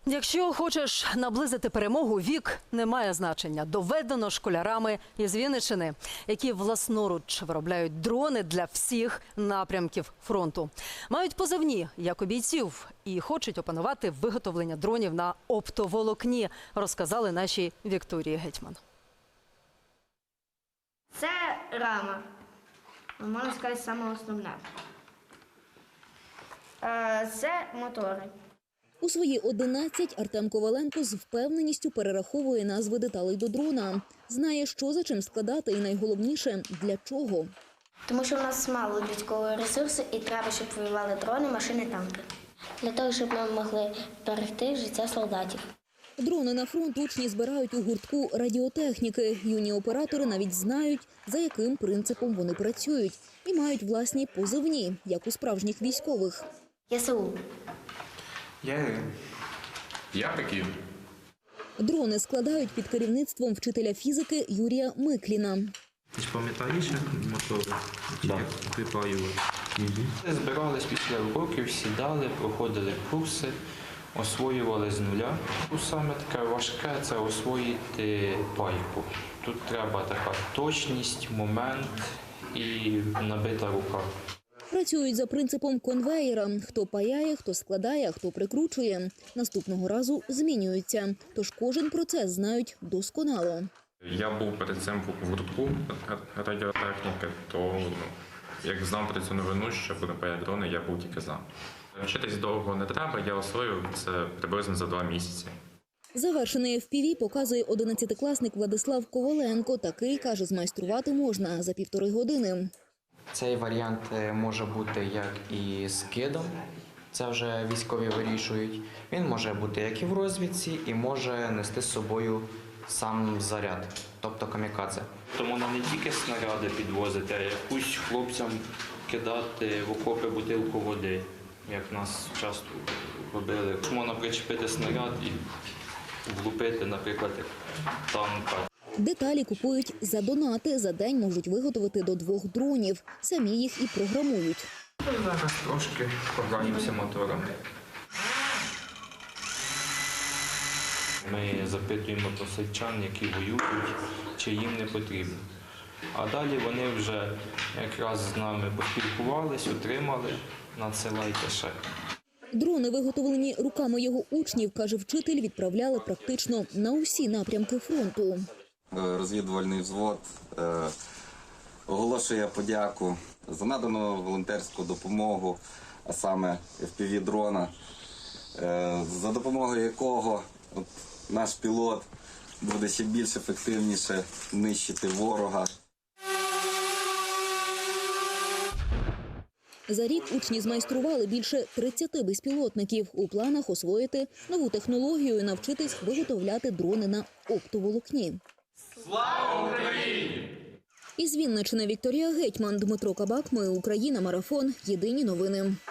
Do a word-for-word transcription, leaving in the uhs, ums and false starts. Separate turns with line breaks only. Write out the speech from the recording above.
Якщо хочеш наблизити перемогу, вік не має значення. Доведено школярами із Вінниччини, які власноруч виробляють дрони для всіх напрямків фронту. Мають позивні, як у бійців, і хочуть опанувати виготовлення дронів на оптоволокні, розказали нашій Вікторії Гетьман.
Це рама, можна сказати, саме основне. Це мотори.
У свої одинадцять Артем Коваленко з впевненістю перераховує назви деталей до дрона. Знає, що за чим складати і найголовніше – для чого.
Тому що в нас мало людського ресурсу і треба, щоб воювали дрони, машини, танки. Для того, щоб ми могли берегти життя солдатів.
Дрони на фронт учні збирають у гуртку радіотехніки. Юні оператори навіть знають, за яким принципом вони працюють. І мають власні позивні, як у справжніх військових.
ЄСУ.
Я Я Пекін.
Дрони складають під керівництвом вчителя фізики Юрія Микліна.
Ти ж пам'ятаєш, як мотори?
Да.
Як припаювали? Угу. Збирались після уроків, сідали, проходили курси, освоювали з нуля. Тут саме таке важке – це освоїти пайку. Тут треба така точність, момент і набита рука.
Працюють за принципом конвеєра. Хто паяє, хто складає, хто прикручує. Наступного разу змінюються. Тож кожен процес знають досконало.
Я був перед цим в гуртку радіотехніки, то ну, як знав про цю новину, що буде паяти дрони, я був тільки за. Вчитись довго не треба, я освоїв це приблизно за два місяці.
Завершений еф пі ві показує одинадцятикласник Владислав Коваленко. Такий, каже, змайструвати можна за півтори години.
Цей варіант може бути як і з кидом, це вже військові вирішують. Він може бути як і в розвідці, і може нести з собою сам заряд, тобто камікадзе.
Тому не тільки снаряди підвозити, а якусь хлопцям кидати в окопи бутилку води, як нас часто робили. Можна причепити снаряд і влупити, наприклад, танка.
Деталі купують за донати. За день можуть виготовити до двох дронів. Самі їх і програмують.
Зараз трошки пограємося моторами.
Ми запитуємо про сельчан, які воюють, чи їм не потрібно. А далі вони вже якраз з нами поспілкувались, отримали, надсилайте ще.
Дрони, виготовлені руками його учнів, каже вчитель, відправляли практично на усі напрямки фронту.
Розвідувальний взвод е, оголошує подяку за надану волонтерську допомогу, а саме еф пі ві-дрона, е, за допомогою якого от, наш пілот буде ще більш ефективніше нищити ворога.
За рік учні змайстрували більше тридцяти безпілотників. У планах освоїти нову технологію і навчитись виготовляти дрони на оптоволокні.
Слава Україні!
Із Вінниччини Вікторія Гетьман, Дмитро Кабак. Ми Україна. Марафон. Єдині новини.